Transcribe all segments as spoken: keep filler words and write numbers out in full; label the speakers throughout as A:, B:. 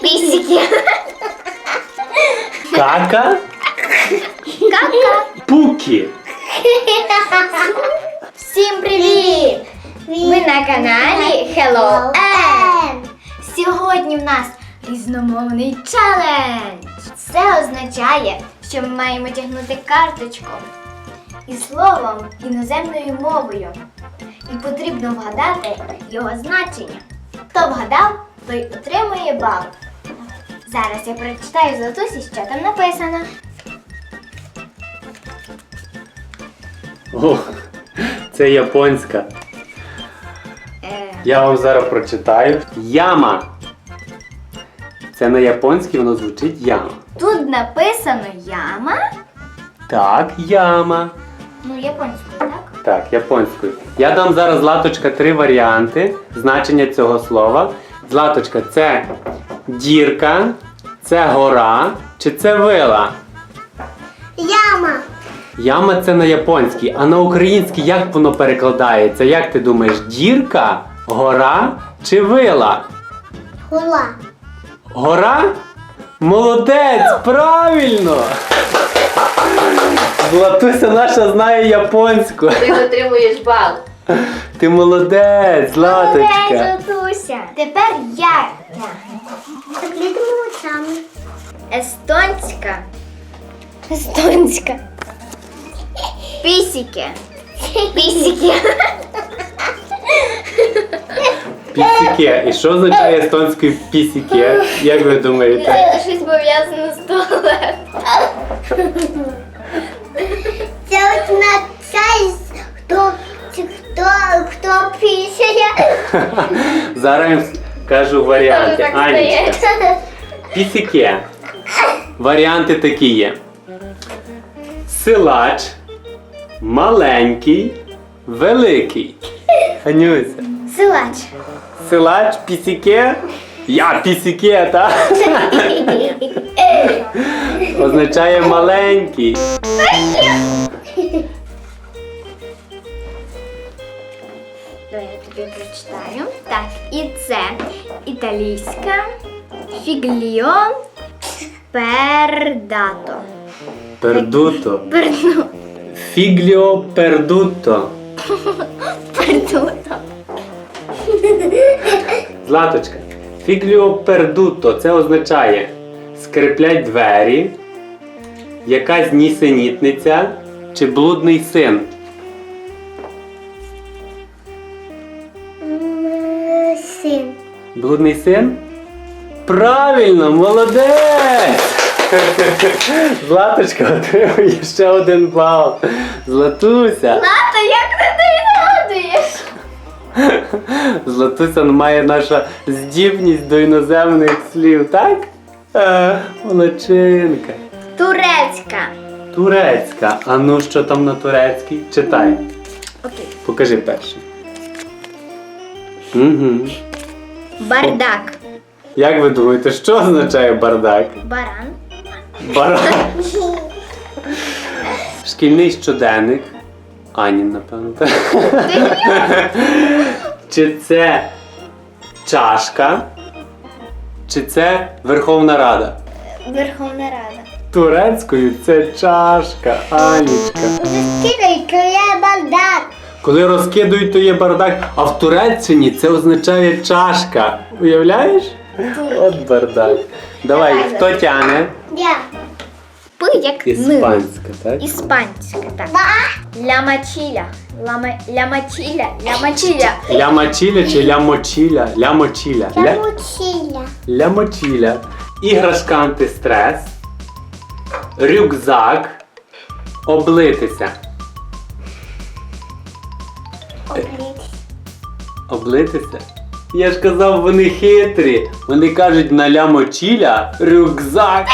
A: Пісики.
B: Кака.
A: Кака.
B: Пуки.
A: Всім привіт! Ви на каналі Hello N. Сьогодні в нас різномовний челендж. Це означає, що ми маємо тягнути карточку із словом іноземною мовою. І потрібно вгадати його значення. Хто вгадав, той отримує бал. Зараз я прочитаю Златусі, що там написано.
B: О, це японська.
A: Е,
B: Я вам зараз прочитаю. Яма. Це на японській воно звучить яма.
A: Тут написано яма.
B: Так, яма.
A: Ну, японською, так?
B: Так, японською. Я дам зараз, Златочка, три варіанти значення цього слова. Златочка, це дірка, це гора чи це вила?
A: Яма.
B: Яма це на японській, а на українській як воно перекладається? Як ти думаєш, дірка, гора чи вила?
A: Гула.
B: Гора? Молодець, правильно! Златуся наша знає японську.
C: Ти отримуєш бал.
B: Ти молодець, Златочка.
A: Златуся. Тепер я тягну.
C: Заклітимо очами.
A: Естонська. Естонська. Пісики. Пісики.
B: Пісіке. І що означає естонською пісіке? Як ви думаєте?
A: Це щось пов'язане з туалетом.
C: Це означає, хто, хто, хто пісяє.
B: Зараз я кажу варіанти.
A: Так
B: Анічка.
A: стає.
B: Пісіке. Варіанти такі є. Силач, маленький, великий. Анюся.
A: Силач.
B: Силач, пісіке. Я пісіке, так? Означає маленький.
A: Давай я тобі прочитаю. Так, і це італійська фігліо пердато.
B: Пердуто.
A: Перду.
B: Фігліо пердуто.
A: Пердуто.
B: Златочка. Фігліо пердуто. Це означає скриплять двері, якась нісенітниця чи блудний син.
C: Син.
B: Блудний син? Правильно, молодець! Златочка отримує ще один бал. Златуся.
A: Лата, як ти не відгадуєш?
B: Златуся має наша здібність до іноземних слів, так? Е, молодчинка.
A: Турецька.
B: Турецька. А ну що там на турецькій? Читай.
A: Окей.
B: Покажи перший. Угу.
A: Бардак.
B: Як ви думаєте, що означає бардак?
A: Баран.
B: Баран. Шкільний щоденник. Анін, напевно. так? Чи це чашка? Чи це Верховна Рада?
A: Верховна Рада.
B: Турецькою це чашка, Анічка.
C: Скидай, то є бардак.
B: Коли розкидують, то є бардак, а в Туреччині це означає чашка. Уявляєш? От бардак. Давай, хто тягне?
C: Я.
A: П як н.
B: Іспанська, так?
A: Іспанська, так. Лямачіля. Лама... Лямачіля. Лямачіля.
B: Лямачіля чи лямочіля? Лямочіля.
C: Я
B: Ля...
C: мучила.
B: Лямочіля. Іграшка антистрес. Рюкзак. Облитися. Облитися? Я ж казав, вони хитрі. Вони кажуть на лямочіля рюкзак.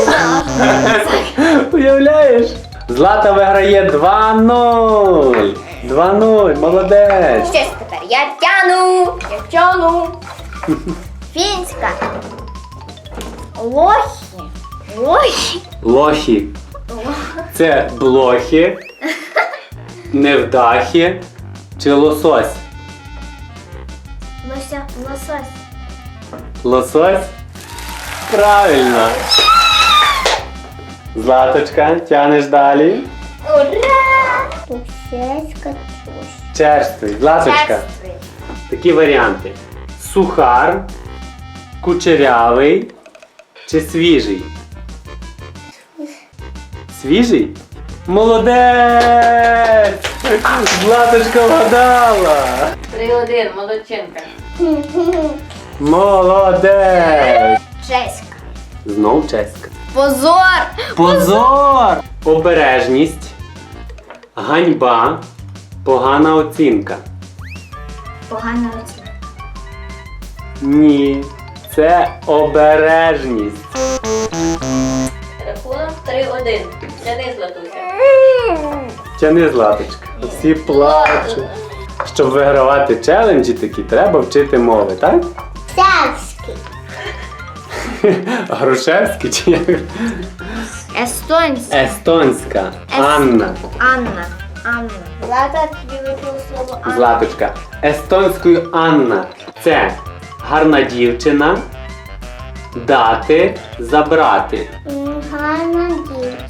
B: Уявляєш? Злата виграє два нуль. два нуль, молодець.
A: Що ж тепер? Я тяну. Я тяну. Фінська. Лохи. Лохи.
B: Лохи. Це блохи, невдахи чи лосось?
A: Лося. Лосось.
B: Лосось? Правильно. Златочка, тянеш далі.
A: Ура!
C: Пусечка.
B: Черствий. Златочка.
A: Черствий.
B: Такі варіанти. Сухар, кучерявий чи свіжий? Свіжий? Молодець! Златочка вгадала!
D: Три-один, молодчинка.
B: Молодець!
A: Чеська.
B: Знов чеська.
A: Позор!
B: Позор! Обережність, ганьба, погана оцінка.
A: Погана оцінка.
B: Ні, це обережність.
D: Рахунок три-один. Тяни, Златуся.
B: Тяни, Златочка. Всі плачуть. Щоб вигравати челенджі такі, треба вчити мови, так?
C: Савський.
B: Грушевський чи як?
A: Естонська.
B: Естонська.
A: Ес-
B: Анна.
A: Анна. Анна. Злата, тобі випало слово Анна.
B: Златочка. Естонською Анна. Це гарна дівчина. Дати, забрати.
C: М, Гарна дівчина.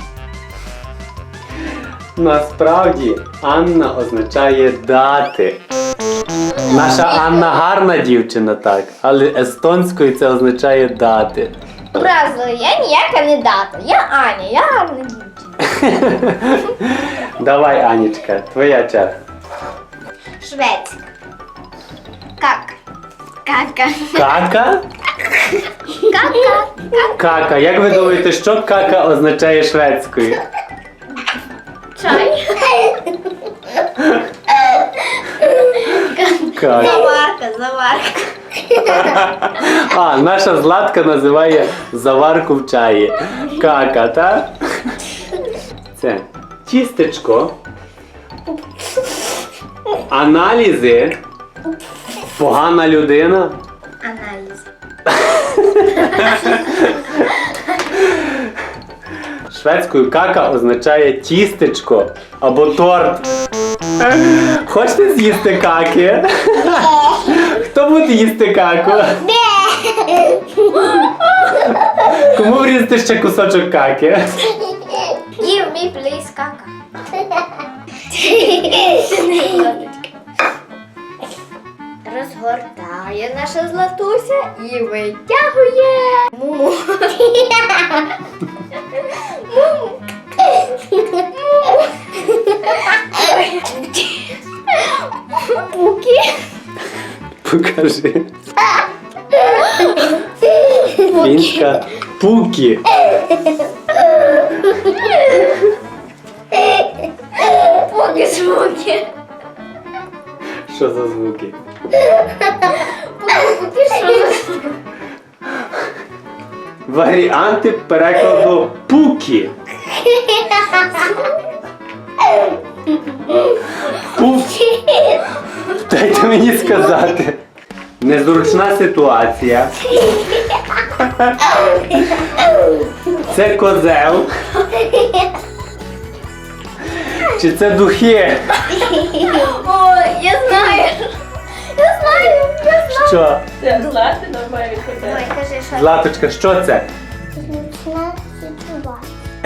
B: Насправді Анна означає дати. Наша Анна гарна дівчина, так, але естонською це означає дати.
A: Образила, я ніяка не дата. Я Аня, я гарна дівчина.
B: Давай, Анічка, твоя черга.
A: Шведська. Как? Кака.
B: Кака?
A: Кака.
B: Кака. Як ви думаєте, що кака означає шведською?
A: Чай.
B: Кака.
A: Заварка, заварка.
B: А, наша Златка називає заварку в чаї. Кака, так? Це тістечко. Аналізи. Погана людина.
A: Аналіз.
B: Шведською кака означає тістечко або торт. Хочете з'їсти каки? Хто буде їсти каку? Кому врізати ще кусочок каки?
A: Give me please кака. Розгортає наша Златуся і витягує муму. Пуки.
B: Покажи. Фінська пукі.
A: Пуки звуки.
B: Що за звуки?
A: Пуки що?
B: Варіанти перекладу пукі. Пукі. Дайте мені сказати. Незручна ситуація. Це козел. Чи це духи?
A: О, я знаю. Я знаю, я знаю.
B: Що?
D: Це Злати нормально відповідає.
A: Ой, кажи, що
B: Златочка, що це?
C: Зручна ситуація.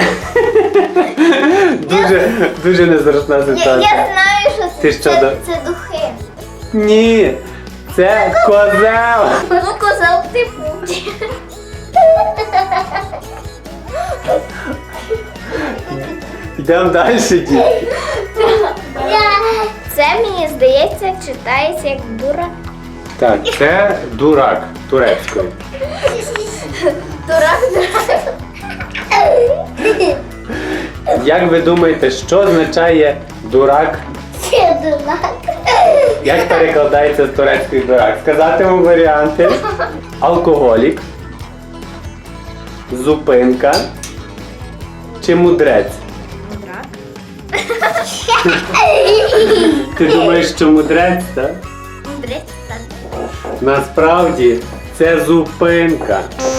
B: Дуже, дуже незручна
A: Я, я
B: ситуація.
A: знаю, що це,
B: Ти що,
A: це,
B: да?
A: це духи.
B: Ні, це козел.
A: Ну, козел ти путі.
B: Йдемо далі, дітки.
A: Це, мені здається, читається як дура.
B: Так, це дурак турецькою.
A: Дурак, дурак.
B: Як ви думаєте, що означає дурак?
C: Це дурак.
B: Як перекладається з турецької дурак? Сказати вам варіанти. Алкоголік, зупинка чи мудрець?
A: Дурак.
B: Ти думаєш, що мудрець, так?
A: Мудрець, так.
B: Насправді це зупинка.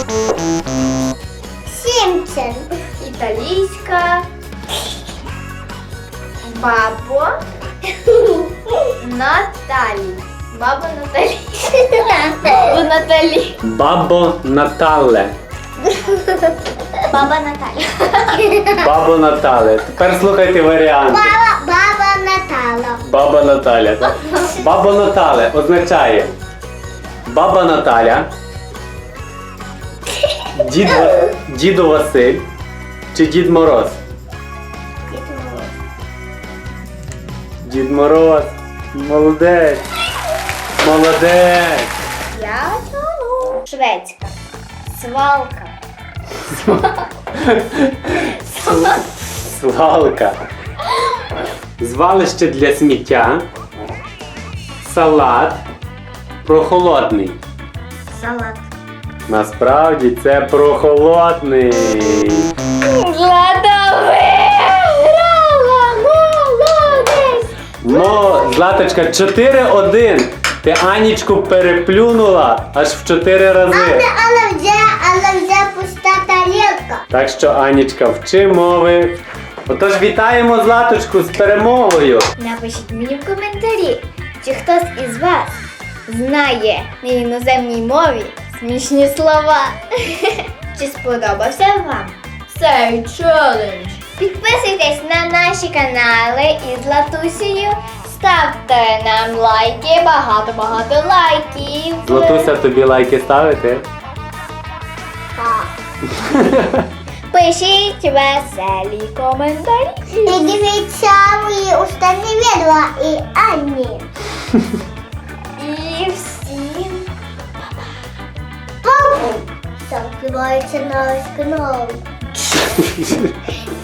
C: Сімчен.
A: Італійська. Бабо. Наталі. Баба Наталі. Баба Наталі.
B: Бабо Натале.
A: Баба Наталя.
B: Бабо Натале. Тепер слухайте варіанти.
C: Баба, баба Натала.
B: Баба Наталя. Так? Баба Натале означає баба Наталя, дід, Ва- діду Василь чи Дід Мороз? Дід Мороз. Молодець. Молодець.
A: Я чому? Шведська. Свалка.
B: Свалка. Звалище для сміття. Салат. Прохолодний.
A: Салат.
B: Насправді це прохолодний.
A: Злата виграла! Молодець!
B: Мо, Златочка, чотири один. Ти Анічку переплюнула аж в чотири рази.
C: Але, але вже, але вже пуста тарілка.
B: Так що, Анічка, вчи мови. Отож, вітаємо Златочку з перемогою.
A: Напишіть мені в коментарі, чи хтось із вас знає на іноземній мові смішні слова. Чи сподобався вам цей челендж? Підписуйтесь на наші канали із Латусею. Ставте нам лайки, багато-багато лайків.
B: Златуся, тобі лайки ставити?
C: Так.
A: Пишіть веселі коментарі.
C: І дивіться мої останні відео і Ані.
A: І всім
C: Папу! Закривається наш канал.